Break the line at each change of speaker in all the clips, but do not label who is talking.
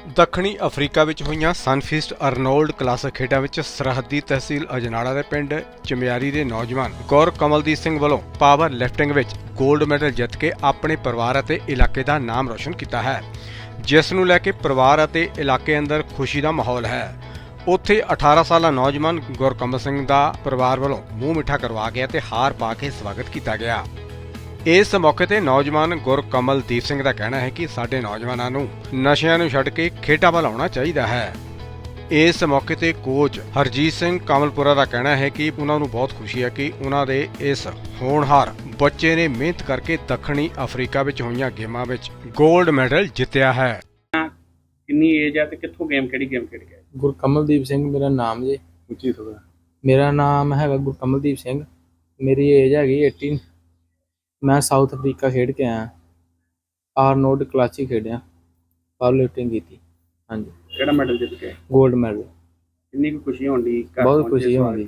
ਦੱਖਣੀ ਅਫਰੀਕਾ ਵਿੱਚ ਹੋਈਆਂ ਸਨਫੀਸਟ ਅਰਨੋਲਡ ਕਲਾਸਿਕ ਖੇਡਾਂ ਵਿੱਚ ਸਰਹੱਦੀ ਤਹਿਸੀਲ ਅਜਨਾਲਾ ਦੇ ਪਿੰਡ ਚਮਿਆਰੀ ਦੇ ਨੌਜਵਾਨ ਗੌਰ ਕਮਲਦੀਪ ਸਿੰਘ ਵੱਲੋਂ ਪਾਵਰ ਲਿਫਟਿੰਗ ਵਿੱਚ 골ਡ ਮੈਡਲ ਜਿੱਤ ਕੇ ਆਪਣੇ ਪਰਿਵਾਰ ਅਤੇ ਇਲਾਕੇ ਦਾ ਨਾਮ ਰੋਸ਼ਨ ਕੀਤਾ ਹੈ, ਜਿਸ ਨੂੰ ਲੈ ਕੇ ਪਰਿਵਾਰ ਅਤੇ ਇਲਾਕੇ ਅੰਦਰ ਖੁਸ਼ੀ ਦਾ ਮਾਹੌਲ ਹੈ। ਉੱਥੇ 18 ਸਾਲਾ ਨੌਜਵਾਨ ਗੁਰਕਮਲ ਸਿੰਘ ਦਾ ਪਰਿਵਾਰ ਵੱਲੋਂ ਮੂੰਹ ਮਿੱਠਾ ਕਰਵਾ ਗਿਆ ਤੇ ਹਾਰ ਪਾ ਕੇ ਸਵਾਗਤ ਕੀਤਾ ਗਿਆ। ਇਸ ਮੌਕੇ ਤੇ ਨੌਜਵਾਨ ਗੁਰਕਮਲਦੀਪ ਸਿੰਘ ਦਾ ਕਹਿਣਾ ਹੈ ਕਿ ਸਾਡੇ ਨੌਜਵਾਨਾਂ ਨੂੰ ਨਸ਼ਿਆਂ ਨੂੰ ਛੱਡ ਕੇ ਖੇਡਾਂ ਵੱਲ ਆਉਣਾ ਚਾਹੀਦਾ ਹੈ। ਇਸ ਮੌਕੇ ਤੇ ਕੋਚ ਹਰਜੀਤ ਸਿੰਘ ਕਮਲਪੁਰਾ ਦਾ ਕਹਿਣਾ ਹੈ ਕਿ ਉਹਨਾਂ ਨੂੰ ਬਹੁਤ ਖੁਸ਼ੀ ਹੈ ਕਿ ਉਹਨਾਂ ਦੇ ਇਸ ਹੋਣਹਾਰ ਬੱਚੇ ਨੇ ਮਿਹਨਤ ਕਰਕੇ ਦੱਖਣੀ ਅਫਰੀਕਾ ਵਿੱਚ ਹੋਈਆਂ ਗੇਮਾਂ ਵਿੱਚ 골ਡ ਮੈਡਲ ਜਿੱਤਿਆ ਹੈ।
ਕਿੰਨੀ ਏਜ ਹੈ ਤੇ ਕਿੱਥੋਂ ਕਿਹੜੀ ਗੇਮ ਖੇਡ ਗਿਆ?
ਗੁਰਕਮਲਦੀਪ ਸਿੰਘ ਮੇਰਾ ਨਾਮ ਜੀ।
ਉੱਚੀ ਥੋੜਾ।
ਮੇਰਾ ਨਾਮ ਹੈਗਾ ਗੁਰਕਮਲਦੀਪ ਸਿੰਘ। ਮੇਰੀ ਏਜ ਹੈਗੀ 18। ਮੈਂ ਸਾਊਥ ਅਫਰੀਕਾ ਖੇਡ ਕੇ ਆਇਆ। ਆਰਨੋਲਡ ਕਲਾਸਿਕ ਖੇਡਿਆ, ਪਾਵਰ ਲਿਫਟਿੰਗ ਕੀਤੀ। ਹਾਂਜੀ।
ਕਿਹੜਾ ਮੈਡਲ ਜਿੱਤ ਗਿਆ?
골ਡ ਮੈਡਲ।
ਕਿੰਨੀ ਕੁ ਖੁਸ਼ੀ ਹੁੰਦੀ?
ਬਹੁਤ ਖੁਸ਼ੀ ਹੁੰਦੀ।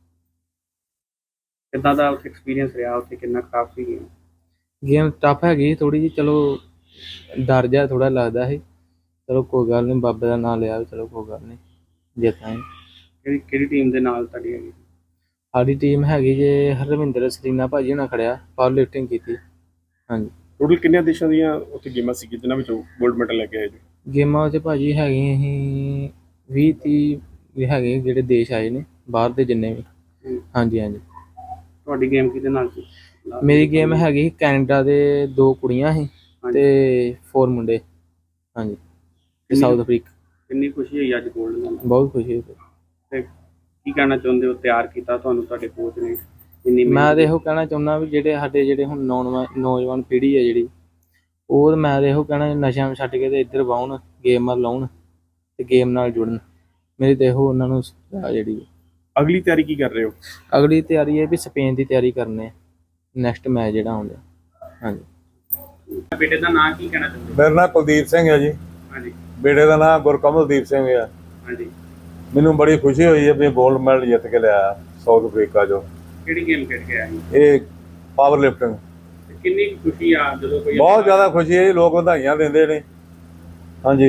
ਕਿੱਦਾਂ ਦਾ ਉੱਥੇ ਐਕਸਪੀਰੀਅੰਸ ਰਿਹਾ? ਉੱਥੇ ਕਿੰਨਾ ਖਾਸ ਸੀ
ਗੇਮ ਟਫ ਹੈਗੀ ਥੋੜੀ ਜਿਹੀ, ਚਲੋ ਡਰ ਜਿਹਾ ਥੋੜਾ ਲੱਗਦਾ ਸੀ। ਚਲੋ ਕੋਈ ਗੱਲ ਨਹੀਂ, ਬਾਬੇ ਦਾ ਨਾਮ ਲਿਆ, ਚਲੋ ਕੋਈ ਗੱਲ ਨਹੀਂ, ਜਿੱਤਾਂਗੇ।
ਕਿਹੜੀ ਟੀਮ ਦੇ ਨਾਲ ਤੁਹਾਡੀ ਹੈਗੀ?
ਸਾਡੀ ਟੀਮ ਹੈਗੀ ਜੇ ਹਰਵਿੰਦਰ ਸਲੀਨਾ ਭਾਜੀ ਨਾਲ ਖੜਿਆ, ਪਾਵਰ ਲਿਫਟਿੰਗ ਕੀਤੀ। ਹਾਂਜੀ।
ਟੋਟਲ ਕਿੰਨੇ ਦੇਸ਼ਾਂ ਦੀਆਂ ਉੱਥੇ ਗੇਮਾਂ ਸੀ ਜਿਨ੍ਹਾਂ ਵਿੱਚੋਂ 골ਡ ਮੈਡਲ ਲੈ ਕੇ ਆਏ ਜੀ?
ਗੇਮਾਂ 'ਚ ਭਾਜੀ ਹੈਗੀਆਂ ਅਸੀਂ 20-30 ਹੈਗੇ ਜਿਹੜੇ ਦੇਸ਼ ਆਏ ਨੇ ਬਾਹਰ ਦੇ ਜਿੰਨੇ ਵੀ। ਹਾਂਜੀ ਹਾਂਜੀ।
ਤੁਹਾਡੀ ਗੇਮ ਕਿਹਦੇ ਨਾਲ ਸੀ?
ਮੇਰੀ ਗੇਮ ਹੈਗੀ ਕੈਨੇਡਾ ਦੇ 2 ਕੁੜੀਆਂ ਸੀ ਤੇ 4 ਮੁੰਡੇ। ਹਾਂਜੀ। ਤੇ ਸਾਊਥ ਅਫਰੀਕਾ।
ਕਿੰਨੀ ਖੁਸ਼ੀ ਹੋਈ ਅੱਜ 골ਡ ਨਾਲ?
ਬਹੁਤ ਖੁਸ਼ੀ ਹੋਈ।
ਤੇ ਕੀ ਕਹਿਣਾ ਚਾਹੁੰਦੇ ਹੋ? ਤਿਆਰ ਕੀਤਾ ਤੁਹਾਨੂੰ ਤੁਹਾਡੇ ਕੋਚ ਨੇ ਇੰਨੀ?
ਮੈਂ ਤਾਂ ਇਹੋ ਕਹਿਣਾ ਚਾਹੁੰਦਾ ਵੀ ਜਿਹੜੇ ਹੁਣ ਨੌਜਵਾਨ ਪੀੜ੍ਹੀ ਹੈ ਜਿਹੜੀ, ਉਹ ਮੈਂ ਤਾਂ ਇਹੋ ਕਹਿਣਾ ਨਸ਼ਿਆਂ ਨੂੰ ਛੱਡ ਕੇ ਤੇ ਇੱਧਰ ਵਾਹੁਣ, ਗੇਮ ਵੱਲ ਲਾਉਣ ਤੇ ਗੇਮ ਨਾਲ ਜੁੜਨ। ਮੇਰੀ ਤਾਂ ਇਹੋ ਉਹਨਾਂ ਨੂੰ ਜਿਹੜੀ
ਅਗਲੀ ਤਿਆਰੀ ਕੀ ਕਰ ਰਹੇ ਹੋ?
ਅਗਲੀ ਤਿਆਰੀ ਹੈ ਵੀ ਸਪੇਨ ਦੀ ਤਿਆਰੀ ਕਰਨੀ ਹੈ, ਨੈਕਸਟ ਮੈਚ ਜਿਹੜਾ ਆਉਂਦਾ। ਹਾਂਜੀ।
ਬੇਟੇ ਦਾ ਨਾਂ ਕੀ ਕਹਿਣਾ ਚਾਹੁੰਦੇ?
ਮੇਰਾ ਨਾਮ ਕੁਲਦੀਪ ਸਿੰਘ ਹੈ ਜੀ।
ਹਾਂਜੀ।
ਬੇਟੇ ਦਾ ਨਾਮ ਗੁਰਕਮਲਦੀਪ ਸਿੰਘ ਹੈ।
ਹਾਂਜੀ।
ਮੈਨੂੰ ਬੜੀ ਖੁਸ਼ੀ ਹੋਈ ਹੈ ਵੀ 골ਡ ਮੈਡਲ ਜਿੱਤ ਕੇ ਲਿਆ ਸਾਊਥ ਅਫਰੀਕਾ ਚੋਂ।
ਕਿਹੜੀ ਗੇਮ ਖੇਡ ਕੇ ਆਇਆ?
ਇਹ ਪਾਵਰ ਲਿਫਟਿੰਗ।
ਕਿੰਨੀ ਖੁਸ਼ੀ ਆ ਜਦੋਂ ਕੋਈ?
ਬਹੁਤ ਜ਼ਿਆਦਾ ਖੁਸ਼ੀ ਹੈ ਜੀ, ਲੋਕ ਵਧਾਈਆਂ ਦਿੰਦੇ ਨੇ। ਹਾਂਜੀ।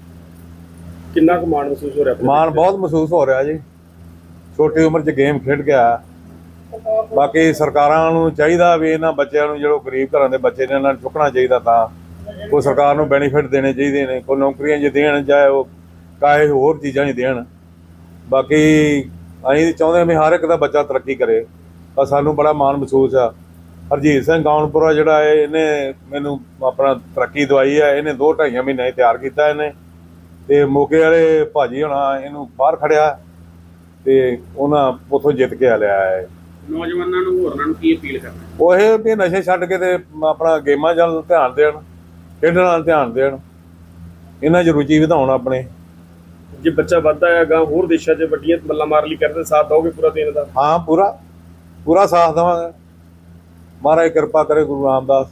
ਕਿੰਨਾ ਕੁ ਮਾਣ ਮਹਿਸੂਸ ਹੋ ਰਿਹਾ?
ਮਾਣ ਬਹੁਤ ਮਹਿਸੂਸ ਹੋ ਰਿਹਾ ਜੀ, ਛੋਟੀ ਉਮਰ 'ਚ ਗੇਮ ਖੇਡ ਕੇ ਆਇਆ। ਬਾਕੀ ਸਰਕਾਰਾਂ ਨੂੰ ਚਾਹੀਦਾ ਵੀ ਇਹਨਾਂ ਬੱਚਿਆਂ ਨੂੰ, ਜਿਹੜੇ ਗਰੀਬ ਘਰਾਂ ਦੇ ਬੱਚੇ ਨੇ, ਇਹਨਾਂ ਨੂੰ ਚੁੱਕਣਾ ਚਾਹੀਦਾ। ਤਾਂ ਕੋਈ ਸਰਕਾਰ ਨੂੰ ਬੈਨੀਫਿਟ ਦੇਣੇ ਚਾਹੀਦੇ ਨੇ, ਕੋਈ ਨੌਕਰੀਆਂ ਜੇ ਦੇਣ, ਚਾਹੇ ਉਹ ਕਾਹੇ ਹੋਰ ਚੀਜ਼ਾਂ ਨਹੀਂ ਦੇਣ। ਬਾਕੀ ਅਸੀਂ ਚਾਹੁੰਦੇ ਹਾਂ ਵੀ ਹਰ ਇੱਕ ਦਾ ਬੱਚਾ ਤਰੱਕੀ ਕਰੇ। ਪਰ ਸਾਨੂੰ ਬੜਾ ਮਾਣ ਮਹਿਸੂਸ ਆ। ਹਰਜੀਤ ਸਿੰਘ ਗਾਉਣਪੁਰਾ ਜਿਹੜਾ ਹੈ, ਇਹਨੇ ਮੈਨੂੰ ਆਪਣਾ ਤਰੱਕੀ ਦਵਾਈ ਹੈ। ਇਹਨੇ 2-2.5 ਮਹੀਨੇ ਤਿਆਰ ਕੀਤਾ ਇਹਨੇ, ਤੇ ਮੋਗੇ ਵਾਲੇ ਭਾਜੀ ਹੋਣਾ ਇਹਨੂੰ ਬਾਹਰ ਖੜਿਆ ਤੇ ਉਹਨਾਂ ਉੱਥੋਂ ਜਿੱਤ ਕੇ ਆ ਲਿਆ ਹੈ।
ਨੌਜਵਾਨਾਂ ਨੂੰ, ਹੋਰਨਾਂ ਨੂੰ ਕੀ ਅਪੀਲ ਕਰਨਾ?
ਉਹ ਇਹ ਵੀ ਨਸ਼ੇ ਛੱਡ ਕੇ ਤੇ ਆਪਣਾ ਗੇਮਾਂ ਵੱਲ ਧਿਆਨ ਦੇਣ, ਖੇਡਣ ਵੱਲ ਧਿਆਨ ਦੇਣ, ਇਹਨਾਂ 'ਚ ਰੁਚੀ ਵਧਾਉਣ ਆਪਣੇ।
ਜੇ ਬੱਚਾ ਵੱਧਦਾ ਹੈ ਅਗਾਂਹ ਹੋਰ ਦੇਸ਼ਾਂ 'ਚ ਵੱਡੀਆਂ ਮੱਲਾਂ ਮਾਰ ਲਈ ਕਰਦੇ, ਸਾਥ ਦਿਓਗੇ ਪੂਰਾ ਦੇਣ ਦਾ?
ਹਾਂ, ਪੂਰਾ ਸਾਥ ਦੇਵਾਂਗੇ। ਮਹਾਰਾਜ ਕਿਰਪਾ ਕਰੇ, ਗੁਰੂ ਰਾਮਦਾਸ।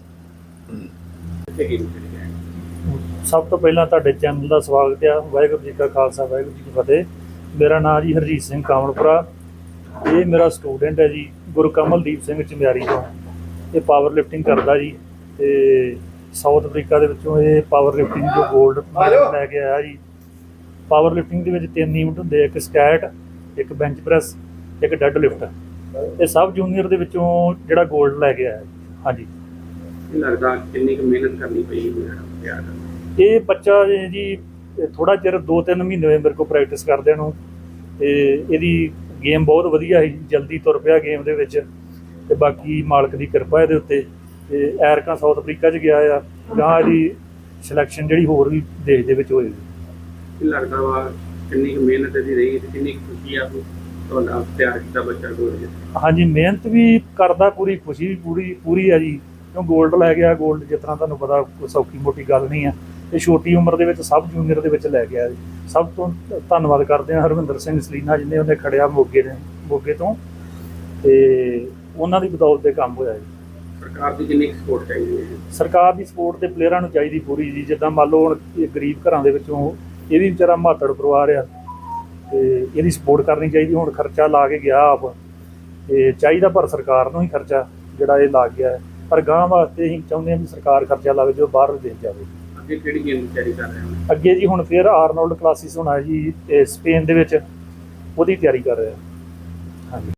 ਸਭ ਤੋਂ ਪਹਿਲਾਂ ਤੁਹਾਡੇ ਚੈਨਲ ਦਾ ਸਵਾਗਤ ਆ। ਵਾਹਿਗੁਰੂ ਜੀ ਕਾ ਖਾਲਸਾ, ਵਾਹਿਗੁਰੂ ਜੀ ਕੀ ਫਤਿਹ। ਮੇਰਾ ਨਾਮ ਜੀ ਹਰਜੀਤ ਸਿੰਘ ਕਾਮਲਪੁਰਾ। ਇਹ ਮੇਰਾ ਸਟੂਡੈਂਟ ਹੈ ਜੀ, ਗੁਰਕਮਲਦੀਪ ਸਿੰਘ ਚਮਿਆਰੀ ਤੋਂ। ਇਹ ਪਾਵਰ ਲਿਫਟਿੰਗ ਕਰਦਾ ਜੀ, ਤੇ ਸਾਊਥ ਅਫਰੀਕਾ ਦੇ ਵਿੱਚੋਂ ਇਹ ਪਾਵਰ ਲਿਫਟਿੰਗ ਜੋ 골ਡ ਮੈਡਲ ਲੈ ਕੇ ਆਇਆ ਜੀ। ਪਾਵਰ ਲਿਫਟਿੰਗ ਦੇ ਵਿੱਚ 3 ਇਵੈਂਟ ਹੁੰਦੇ, ਇੱਕ ਸਕੈਟ, ਇੱਕ ਬੈਂਚ ਪ੍ਰੈਸ, ਇੱਕ ਡੈੱਡ ਲਿਫਟ। ਇਹ ਸਭ ਜੂਨੀਅਰ ਦੇ ਵਿੱਚੋਂ ਜਿਹੜਾ 골ਡ ਲੈ ਕੇ ਆਇਆ। ਹਾਂਜੀ।
ਇਹ ਲੱਗਦਾ ਕਿੰਨੀ ਕੁ ਮਿਹਨਤ ਕਰਨੀ ਪਈ ਤਿਆਰ ਕਰਨ?
ਇਹ ਬੱਚਾ ਜੀ ਥੋੜਾ ਚਿਰ 2-3 ਮਹੀਨੇ ਹੋਏ ਮੇਰੇ ਕੋਲ ਪ੍ਰੈਕਟਿਸ ਕਰਦਿਆਂ ਨੂੰ, ਤੇ ਇਹਦੀ ਗੇਮ ਬਹੁਤ ਵਧੀਆ ਸੀ, ਜਲਦੀ ਤੁਰ ਪਿਆ ਗੇਮ ਦੇ ਵਿੱਚ। ਤੇ ਬਾਕੀ ਮਾਲਕ ਦੀ ਕਿਰਪਾ ਇਹਦੇ ਉੱਤੇ। ਤੇ ਐਰਕਾਂ ਸਾਊਥ ਅਫਰੀਕਾ 'ਚ ਗਿਆ ਆ, ਜਾਂ ਇਹਦੀ ਸਿਲੈਕਸ਼ਨ ਜਿਹੜੀ ਹੋਰ ਵੀ ਦੇਸ਼ ਦੇ ਵਿੱਚ ਹੋਏਗੀ।
ਕੀ ਲੱਗਦਾ ਵਾ ਕਿੰਨੀ ਕੁ ਮਿਹਨਤ ਇਹਦੀ ਰਹੀ ਤੇ ਕਿੰਨੀ ਖੁਸ਼ੀ ਆ ਤੁਹਾਡਾ ਤਿਆਰ ਕੀਤਾ ਬੱਚਾ 골ਡ?
ਹਾਂਜੀ, ਮਿਹਨਤ ਵੀ ਕਰਦਾ, ਪੂਰੀ ਖੁਸ਼ੀ ਵੀ ਪੂਰੀ ਆ ਜੀ, ਕਿਉਂ 골ਡ ਲੈ ਗਿਆ। 골ਡ ਜਿਤਨਾ ਤੁਹਾਨੂੰ ਪਤਾ ਕੋਈ ਸੌਖੀ ਮੋਟੀ ਗੱਲ ਨਹੀਂ ਆ। ਇਹ ਛੋਟੀ ਉਮਰ ਦੇ ਵਿੱਚ ਸਭ ਜੂਨੀਅਰ ਦੇ ਵਿੱਚ ਲੈ ਗਿਆ ਜੀ। ਸਭ ਤੋਂ ਧੰਨਵਾਦ ਕਰਦੇ ਹਾਂ ਹਰਵਿੰਦਰ ਸਿੰਘ ਸਲੀਨਾ, ਜਿਹਨੇ ਉਹਨੇ ਖੜਿਆ ਮੋਗੇ ਤੋਂ, ਤੇ ਉਹਨਾਂ ਦੀ ਬਦੌਲਤ ਤੇ ਕੰਮ ਹੋਇਆ ਜੀ।
ਸਰਕਾਰ ਦੀ ਕਿੰਨੀ ਸਪੋਰਟ ਚਾਹੀਦੀ ਹੈ?
ਸਰਕਾਰ ਦੀ ਸਪੋਰਟ ਤੇ ਪਲੇਅਰਾਂ ਨੂੰ ਚਾਹੀਦੀ ਪੂਰੀ ਜੀ। ਜਿੱਦਾਂ ਮੰਨ ਲਓ ਹੁਣ ਗਰੀਬ ਘਰਾਂ ਦੇ ਵਿੱਚੋਂ ਇਹ ਵੀ ਵਿਚਾਰਾ ਮਾਤੜ ਪਰਿਵਾਰ ਆ, ਤੇ ਇਹਦੀ ਸਪੋਰਟ ਕਰਨੀ ਚਾਹੀਦੀ। ਹੁਣ ਖਰਚਾ ਲਾ ਕੇ ਗਿਆ ਆਪ, ਤੇ ਚਾਹੀਦਾ ਪਰ ਸਰਕਾਰ ਨੂੰ ਹੀ ਖਰਚਾ ਜਿਹੜਾ ਇਹ ਲੱਗ ਗਿਆ। ਪਰ ਗਾਂ ਵਾਸਤੇ ਅਸੀਂ ਚਾਹੁੰਦੇ ਹਾਂ ਵੀ ਸਰਕਾਰ ਖਰਚਾ ਲਾਵੇ ਜੋ ਬਾਹਰ ਦੇਸ਼ ਜਾਵੇ।
ਅੱਗੇ ਕਿਹੜੀ ਗੇਮ ਦੀ ਤਿਆਰੀ ਕਰ ਰਹੇ ਹੋ?
ਅੱਗੇ ਜੀ ਹੁਣ ਫਿਰ ਆਰਨੋਲਡ ਕਲਾਸਿਸ ਹੋਣਾ ਜੀ ਸਪੇਨ ਦੇ ਵਿੱਚ, ਉਹਦੀ ਤਿਆਰੀ ਕਰ ਰਿਹਾ। ਹਾਂਜੀ।